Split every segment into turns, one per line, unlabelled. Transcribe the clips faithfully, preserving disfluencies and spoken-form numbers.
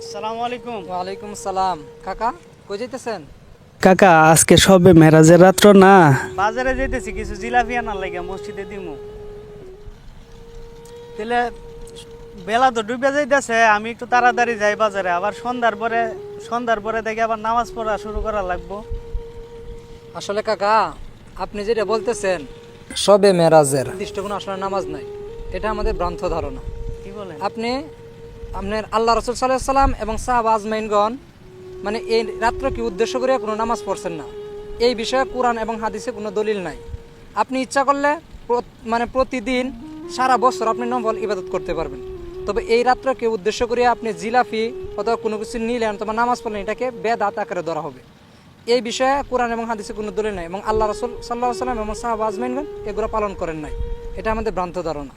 আসসালামু আলাইকুম।
ওয়ালাইকুম সালাম। কাকা কই যাইতেছেন?
কাকা আজকে সবে মেরাজের রাত্র না।
বাজারে যাইতেছি কিছু জিলাপি আনার লাগে মসজিদে দিমু। তাহলে বেলা তো ডুবে যাইতেছে, আমি একটু তাড়াতাড়ি যাই বাজারে, আবার সন্ধ্যার পরে সন্ধ্যার পরে দেখে আবার নামাজ পড়া শুরু করা লাগবো।
আসলে কাকা আপনি যেটা বলতেছেন সবে মেরাজের নির্দিষ্ট কোনো আসলে নামাজ নাই, এটা আমাদের ভ্রান্ত ধারণা।
কি বলেন?
আপনি আপনার আল্লাহ রসুল সাল্লাহ সাল্লাম এবং সাহাবা আজমাইনগণ মানে এই রাত্রকে উদ্দেশ্য করে কোনো নামাজ পড়ছেন না, এই বিষয়ে কোরআন এবং হাদিসে কোনো দলিল নাই। আপনি ইচ্ছা করলে প্র- মানে প্রতিদিন সারা বছর আপনি নফল ইবাদত করতে পারবেন, তবে এই রাত্রকে উদ্দেশ্য করে আপনি জিলাফি অথবা কোনো কিছু নিলেন অথবা নামাজ পড়লেন, এটাকে বেদাত আকারে ধরা হবে। এই বিষয়ে কোরআন এবং হাদিসে কোনো দলিল নাই এবং আল্লাহ রসুল সাল্লাহ সাল্লাম এবং সাহাবা আজমাইনগণ এগুলো পালন করেন নাই, এটা আমাদের ভ্রান্ত ধারণা।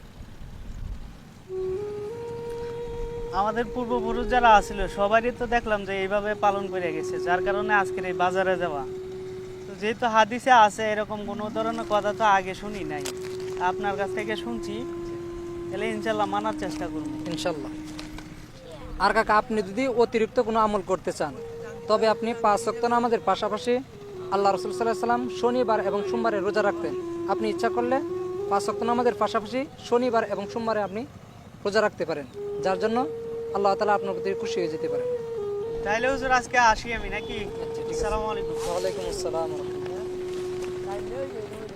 আমাদের পূর্বপুরুষ যারা আছিল সবারই তো দেখলাম যে এইভাবে পালন করে গেছে, যার কারণে আজকের এই বাজারে যাওয়া। তো যেহেতু হাদিসে আছে, এরকম কোনো ধরনের কথা তো আগে শুনি নাই, আপনার কাছ থেকে শুনছি, তাহলে ইনশাল্লাহ মানার চেষ্টা করবো।
ইনশাল্লাহ। আর কাকা আপনি যদি অতিরিক্ত কোনো আমল করতে চান, তবে আপনি পাঁচ ওয়াক্ত নামাজের পাশাপাশি আল্লাহ রসুল সাল্লাহ সাল্লাম শনিবার এবং সোমবারে রোজা রাখতেন। আপনি ইচ্ছা করলে পাঁচ ওয়াক্ত নামাজের পাশাপাশি শনিবার এবং সোমবারে আপনি রোজা রাখতে পারেন, যার জন্য আল্লাহ তাআলা আপনার প্রতি খুশি হয়ে যেতে পারেন।
তাইলে হুজুর আজকে আসি আমি নাকি?
আচ্ছা, ঠিক আছে।
আসসালামু আলাইকুম।
ওয়ালাইকুম আসসালাম।